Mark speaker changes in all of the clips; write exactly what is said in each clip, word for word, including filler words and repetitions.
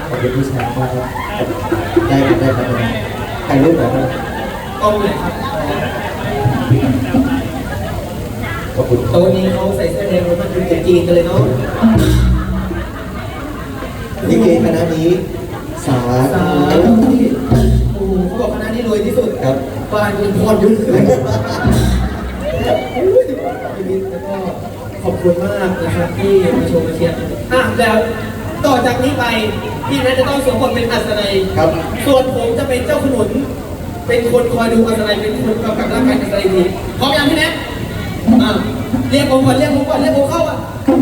Speaker 1: ขอบคุณผู้ชายมากครับได้ได้ครับถ่ายรูปหน่อยครับ
Speaker 2: กล้องเลยครับ
Speaker 1: ขอบคุณ
Speaker 2: โต๊ะนี้เขาใส่เสื้อแดงแล้วมันดูจีนกันเลยเนาะ
Speaker 1: ลิเกคณะนี้สา
Speaker 2: สาที่โอ้เขาบอกคณะนี้รวยที่สุด
Speaker 1: ครับ
Speaker 2: บ้านคุณพรยุ่งเลยแล้วก็ขอบคุณมากนะครับที่มาชมมาเชียร์อ่ะแล้วต่อจากนี้ไปพี่นัทจะต้องสวมบทเป็นอัศนัย
Speaker 1: ครับ
Speaker 2: ส่วนผมจะเป็นเจ้าขนุนเป็นคนคอยดูอัศนัยเป็นคนกำกับร่างกายอัศนัยทีพร้อมยังพี่นัทอ่ะเรียกผมก่อนเรียกผมก่อนเรียกผมเข้าอ่ะ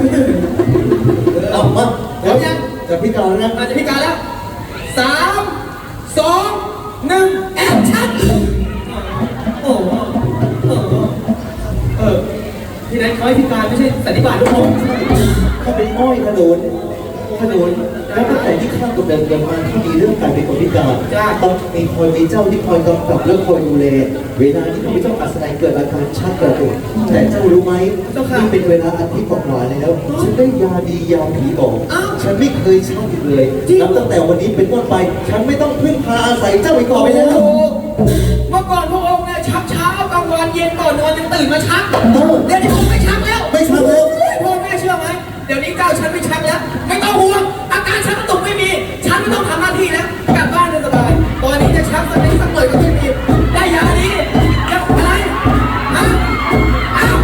Speaker 1: เอามา
Speaker 2: พร้อมยัง
Speaker 1: จะพิการนะ
Speaker 2: อาจจะพิการแล้วสามสองหนึ่งแอคชั่นโอ้โหเออที่นั้นเขาให้พิการไม่ใช่สันนิบาตทุกคน
Speaker 1: เขาเป็นอ้อยขนุนขนุนแล้วตั้งแต่ที่ข้ากับเดินเดินมาที่มีเรื่องการเป็นคนพิการต้องมีคอยมีเจ้าที่คอยกำกับและคอยดูแลเวลาที่ข้าพเจ้าอัศนัยเกิดอาการชักกระตุกแต่เจ้ารู้ไหมนี่เป็นเวลาอาทิตย์กว่าแล้วฉันได้ยาดียาผีบอกฉันไม่เคยชักอีกเลยนับตั้งแต่วันนี้เป็นต้นไปฉันไม่ต้องพึ่งพาอาศัยเจ้าอีกต่อไปแล้ว
Speaker 2: เมื่อก่อนพระองค์เนี่ยชักเช้ากลางวันเย็นก่อนนอนยังตื่นมาชักเดี๋ยวนี้ผมไม่ชักแล้ว
Speaker 1: ไม่ชักแล้ว
Speaker 2: พ่อแม่เชื่อไหมเดี๋ยวนี้เจ้าฉันไม่ชักแล้วไม่ต้องห่วงอาการชักกระตุกไม่มีฉันไม่ต้องทำหน้าที่แล้วกลับบ้านได้สบายตอนนี้จะชักสักนิดสักหน่อยก็ไม่มีได้ยาดีจะอะไรฮะอ้าว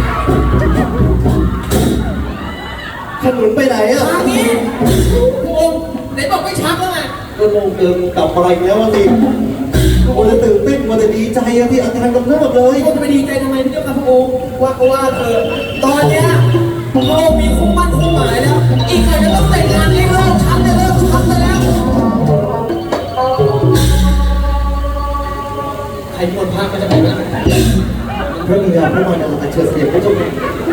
Speaker 1: ขนุนไปไหนอ่ะ
Speaker 2: ทางนี้พระองค์ไหนบอกไม่ชักแล้วไง
Speaker 1: ก็ลงเติมกลับมาอีกแล้วสิโอ้จะตื่นเต้นมันจะดีใจอะที่อาการกำเริบเลย
Speaker 2: พระองค์จะไปดีใจทำไมพี่เจ้าค่ะพระองค์ว่าก็ว่าเธอตอนเนี้ยพระองค์มีคู่มั่นคู่หมายแล้วอีกหน่อยจะต้องแต่งงานให้เลิกชักจะเลิกชักไปแล้วใครมีคนพาก็จะไปแล้ว
Speaker 1: พระบิดาพระมารดาอัญเชิญเสด็จพระเจ้าค่ะ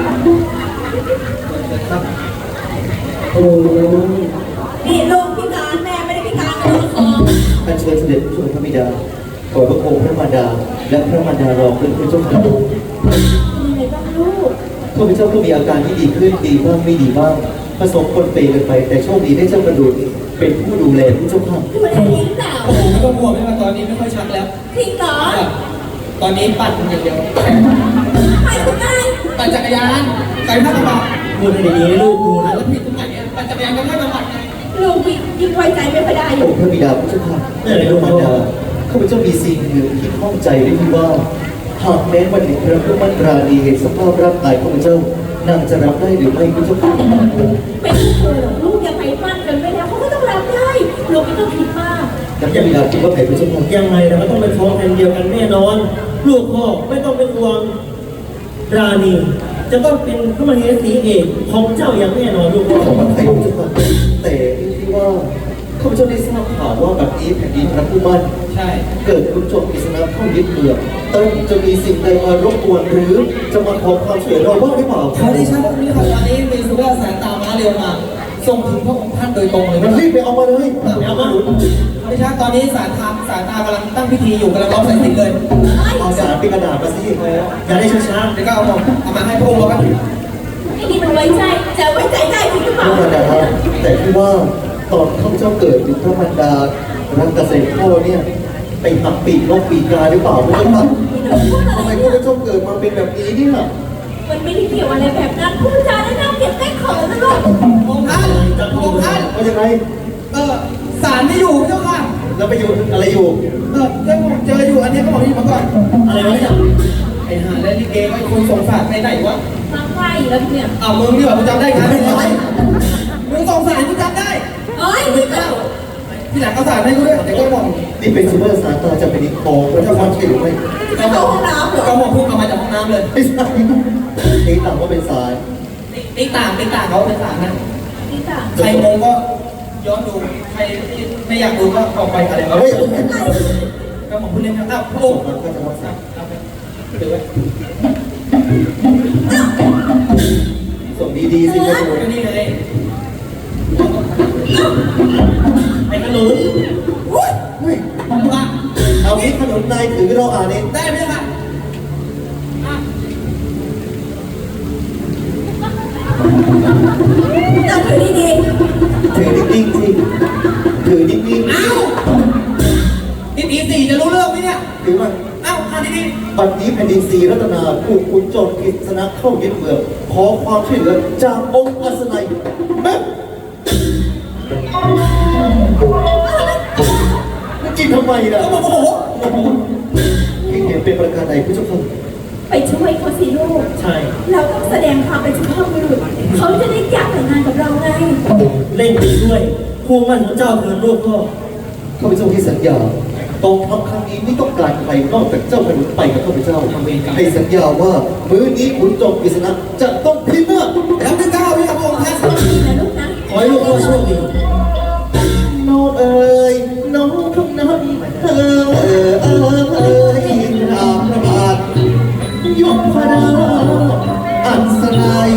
Speaker 2: ครับ
Speaker 1: โอ้
Speaker 3: นี่ลูกพิการแม่ไม่ได้พิการกระโดดคอ
Speaker 1: อัญเชิญเสด็จพระพระบิดาขอพระองค์พระมารดาและพระมารดารอเป็นพระเจ้าค่ะ
Speaker 3: ยังไงบ้างลูก
Speaker 1: ข้าพเจ้าก็มีอาการที่ดีขึ้นดีบ้างไม่ดีบ้างผสมคนเปกันไปแต่โชคดีได้เจ้ากระดูกเป็นผู้ดูแลผู้เจ้าค่ะ
Speaker 3: คือมันจะยิ้มหนาว
Speaker 2: โอ้โหไม่ต้องห่วงไม่ว่าตอนนี้ไม่ค่อยชักแล้ว
Speaker 3: จริงเหรอ
Speaker 2: ตอนนี้ปั่นอย่างเดียว
Speaker 3: ไปคุณนาย
Speaker 2: ปั่นจักรยานใส่ผ้ากระบอก
Speaker 1: พูดให้ดีๆลูกดูนะ
Speaker 2: แล้วผิดตรงไหนเนี่ยปั่นจักรยานก็ไม่มาปั่นไง
Speaker 3: ลูกยิ่งไว้ใจไม่ค่อยได้อยู่
Speaker 1: พระบิดาผู้เจ้าค่ะแม่พระมารดาข้าพเจ้ามีสิ่งหนึ่งที่ข้องใจได้ที่ว่าหากแม้วันหนึ่งพระผู้มั่นราณีเห็นสภาพร่างกายของเจ้านางจะรับได้หรือไม่ผู้เจ้าค่ะ
Speaker 3: ไม่เคยหรอกลูกอย่าไปมั่นกันไว้แล้วเขาก็ต้องรับได้ลูกไม่ต้องคิดมาก
Speaker 1: แล้วพระบิดาคิดว่าใครผู้เจ้าค่ะ
Speaker 4: ยังไงเราก็ต้องเป็นท้องแผ่นเดียวกันแน่นอนลูกพ่อไม่ต้องเป็นห่วงราณีจะต้องเป็นพระมเหสีเอกของเจ้าอย่างแน่นอนลูกพ่อ
Speaker 1: ของใครผู้เจ้าค่ะแต่ที่ว่าข้าพเจ้าได้ทราบข่าวว่าแบบนี้แผ่นดินพระผู้มั่น
Speaker 2: ใช่
Speaker 1: เกิดคุณโจมอิสลามเข้ายึดเมืองต้องจะมีสิ่งใดมารบกวนหรือจะมาขอความช่วยเหลือเราบ้างหรือเปล่า
Speaker 2: ขอได้ใช่พวกนี้ครับตอนนี้มีสุราสายตาม้าเร็วมาส่งถึงพระองค์ท่านโดยตรงเลย
Speaker 1: มันรีบไปเอามาเลย
Speaker 2: เอามาไม่ใช่ตอนนี้สายตาสายตากำลังตั้งพิธีอยู่กำลังร้องสายสิญจน์เลย
Speaker 1: เอาสารเป็นกระดาษมาสิ
Speaker 4: อย่าได้ช้า
Speaker 2: ๆเดี๋ยวก็เอาเอามาให้พระองค์แล้วกัน
Speaker 3: ไอ้นี่มันไว้ใจจะไว้ใจได้จริงหรือเปล่า
Speaker 1: แต่ที่ว่าตอนข้าเจ้าเกิดอยู่พระมารดารักเกษตรพ่อเนี่ยไปหักปีกนกปีกาหรือเปล่าไม่รู้ครับทำไมข้าเจ้าเกิดมาเป็นแบบนี้เนี่ย
Speaker 3: มันไม่ได้เกี่ยวอะไรแบบนั้นพูดจาได้น่าเกลียดแกล้งเขินนะลูก
Speaker 2: องค์ท่านองค์ท่าน
Speaker 1: ว่ายังไง
Speaker 2: เออสารไม่อยู่เจ้าค่ะ
Speaker 1: แล้วไปอยู่อะไรอยู่
Speaker 2: เออเจ้าเจออยู่อันนี้ก็บอกที่มาก่อน
Speaker 4: อะไรวะเนี่ย
Speaker 2: ไอ้ห่าและลิเกไอ้คนสงสารไปไหนวะ
Speaker 3: มาใกล้แล้วเนี่ย
Speaker 2: อ้าวมึงนี่แบบมึงจำได้กันไม่ได้มึงสงสารมึงจำได้
Speaker 3: เอ้ยไม่เจ้า
Speaker 2: ที่หลังเขาสารให้กูด้วยเดี๋ยวก็บอก
Speaker 1: นี่เป็นซูเปอร์สตาร์ตาจะเป็นนิโคพระเจ้าวัดใช่หรือไม่
Speaker 2: ก็บอกก็บอกพูดออกมาจากห้องน้ำเลย
Speaker 1: ไม่ใช่ตีต่างว่าเป็นสาย
Speaker 2: ตีต่างตีต่างเขาเป็นสารนะ
Speaker 3: ตีต่าง
Speaker 2: ใครงงก็ย้อนดูใครไม่อยากดูก็ออกไปอะไรก็ก็บอกพูดเล่นครับอ้าวพระองค์
Speaker 1: ก็จะวัดสาย
Speaker 2: ดูไว้
Speaker 1: ส่งดีๆสิครับ
Speaker 2: ก็นี่เลย
Speaker 4: ไอ้ขนุน
Speaker 1: เอางี้ขนมนายถือเราอ่านเอง
Speaker 2: ได้ไหมคะ
Speaker 3: จับถือดี
Speaker 1: ๆถือนิ่งๆสิถืถือนิ่ง
Speaker 2: เอ้านี่ตีสี่จะรู้เรื่องไหมเนี่ย
Speaker 1: ๆถือว่า
Speaker 2: เอ้าอ่านดี
Speaker 1: บัดนี้แผ่นดินศรีรัตนาถูกขุนโจรกฤษณะเข้ายึดเมืองขอความช่วยเหลือจากองค์อัศนัยแม่มันกินทำไมล่ะ
Speaker 2: ๆโอ้โห
Speaker 1: ที่เห็นเป็นประการใดผู้เจ้าค่ะ
Speaker 3: ไปช่วยเขาสิลูก
Speaker 4: ใช่
Speaker 3: เราต้องแสดงความเป็นสุภาพบุรุษเขาจะได้อยากแต่งงานกับเราไง
Speaker 4: เล่นดีด้วยคู่มั่นของเจ้าเถิดลูกพ่อ
Speaker 1: ข้าพเจ้าที่สัญญากองทัพครั้งนี้ไม่ต้องการใครนอกจากเจ้าพนุนไปกับข้าพเจ้าให้สัญญาว่ามื้อนี้ขุนโจรกฤษณะจะต้องพินาศ
Speaker 2: แล้วไม่กล้าพี่ครับองค์ท่าน
Speaker 3: ดีนะลูกนะ
Speaker 4: ขอให้ลูกพ่อโชคดี
Speaker 1: น้องเอ๋ยน้องทุกนั้นเออเออเออเอยอาพระบาทยกพระดาอัศนัย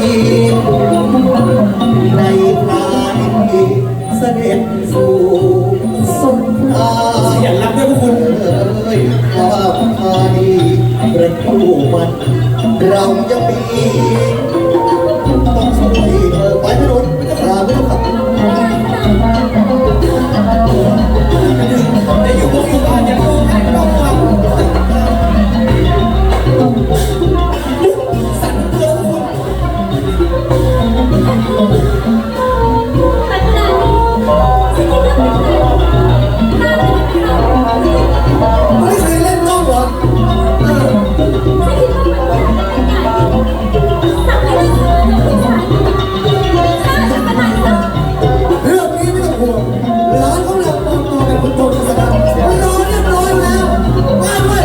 Speaker 1: ในพาณิเสด็จสู่สมภาร
Speaker 2: อย่ารับด้วยพวกคุณ
Speaker 1: เอ้ยข้าพานีประตูมันเราจะมีต้องช่วยเธอไปถนนราไม่ต้องขับ
Speaker 2: จะอยู่บนอยู่บ้านอย่าโกงให้ต้องฟังสั่นตัวทุกคน
Speaker 3: แต่ขนาดนี้ฉันยังไม่เคยน่าจะเป็นเรา
Speaker 2: ไม่เคยเล่นกล้องเหรอเออ
Speaker 3: ฉันคิดว่ามันเป็นการสั่งให้เราทำงานกับผู้ชายฆ่าฉันขนาดนั้น
Speaker 2: เรื่องนี้ไม่ต้องห่วงร้านเขาหลับมองมองเป็นคนโตที่สนามมันรอเรียบร้อยแล้วมาด้วย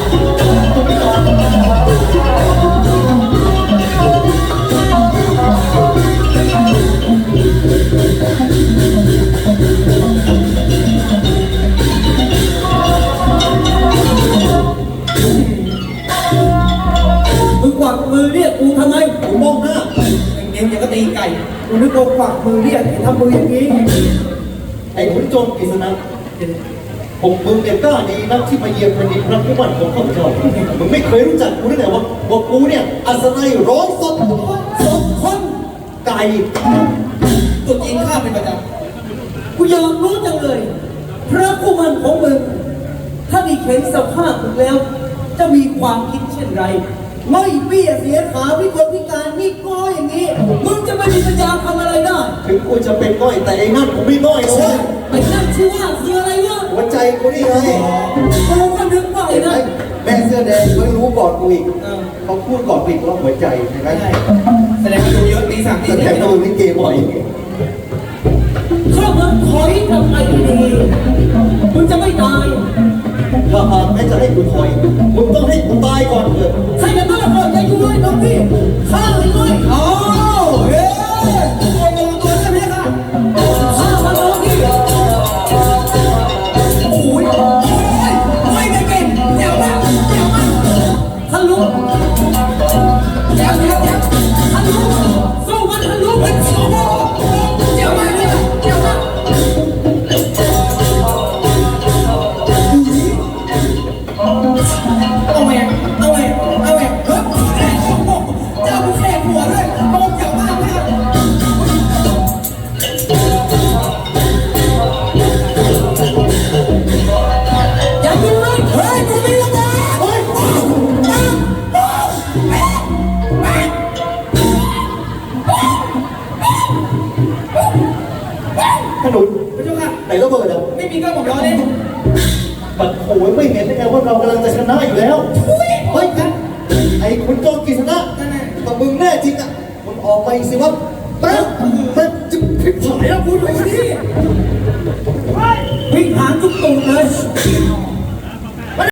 Speaker 4: มึงกวักมือเรียกกูทำไม
Speaker 1: ผมมองหน้า
Speaker 2: เองอย่างก็ตีไก่
Speaker 4: กูนึกว่าฝักมือเรียกทำมืออย่างนี้
Speaker 1: ไอ้ขุนโจรกฤษณะผมมึงเนี่ยกล้าดีนักที่มาเยียมแผ่นดินพระผู้มันของข้าพเจ้ามึงไม่เคยรู้จักกูตั้งแต่ว่าว่ากูเนี่ยอัศนัยร้องสดสดคนไก่
Speaker 2: ตัวจริงข้าเป็นประจ
Speaker 4: กูอยากรู้จังเลย พระผู้มันของมึง ถ้าได้เห็นสภาพมึงแล้ว จะมีความคิดเช่นไร ไม่เบี้ยเสียขาพิกลพิการนี่ก็อย่างนี้ มึงจะไม่มีปัญญาทำอะไรได้
Speaker 1: ถึงกูจะเป็นน้อยแต่ไอ้นั่นกูไม่น้อยนะเว้ย
Speaker 4: ไอ้นั่นชื่อว่าคืออะไรวะ
Speaker 1: หัวใจกูนี่ไง
Speaker 4: กูก็นึกว่าไอ้
Speaker 1: เห็นไหม
Speaker 4: นั่น
Speaker 1: แม่เสื้อแดงเขารู้ก่อนกูอีกเขาพูดก่อนกูอีกว่าหัวใจเห็นไหม
Speaker 2: ำใช่แสดงว่าดูเยอะตีสามตี
Speaker 1: แสด
Speaker 2: สี่
Speaker 1: งว่าดูลิเกบ่อย
Speaker 4: ถ้ามึงถอยกลับไปดีๆมึงจะไม่ตาย
Speaker 1: ถ้าหากแม่จะให้กูถอยมึงต้องให้กูตายก่อนเถอะ
Speaker 4: ใครจะต้องรับใจกูด้วยน้องพี่ข้าเลยด้วย
Speaker 2: โอ้เฮ้ยตัวตัวตัวใช่ไหมค่ะ
Speaker 4: ข้ามาน้องพี่
Speaker 2: โอ้ยโอ้ยไม่ได้เก่งเจ๋วมากเจ๋วมาก
Speaker 4: ทะลุ
Speaker 2: เจ๋วเจ๋วเจ๋ว
Speaker 4: ทะลุสู้มันทะลุ
Speaker 2: โอ้โหเจ๋วมากเลยเจ๋วมากเอาแหวนเอาแหวนเอาแหวนเฮ้ยเจ้าผู้แขกหัวด้วยโอ้เจ๋วมากเลย
Speaker 4: อย่ายิงเลย
Speaker 2: เฮ้ยกูมีระเบิดเฮ้ยว้าวว้าวว้าวแม่แม่
Speaker 1: ขนุน
Speaker 2: พระเจ้าค่ะ
Speaker 1: ไหนระเบิดอ่ะ
Speaker 2: ไม่มีก็ผมรอเล่น
Speaker 1: ปัดโอยไม่เห็นได้ไงว่าเรากำลังจะชนะอยู่แล้วเฮ้ยไอ้ขุนโจรกฤษณะ
Speaker 2: นั่นแหละ
Speaker 1: แต่มึงแน่จริงอ่ะมึงออกไปสิวะแป๊บแป๊บจะผิดผายแล้วกูดูดิ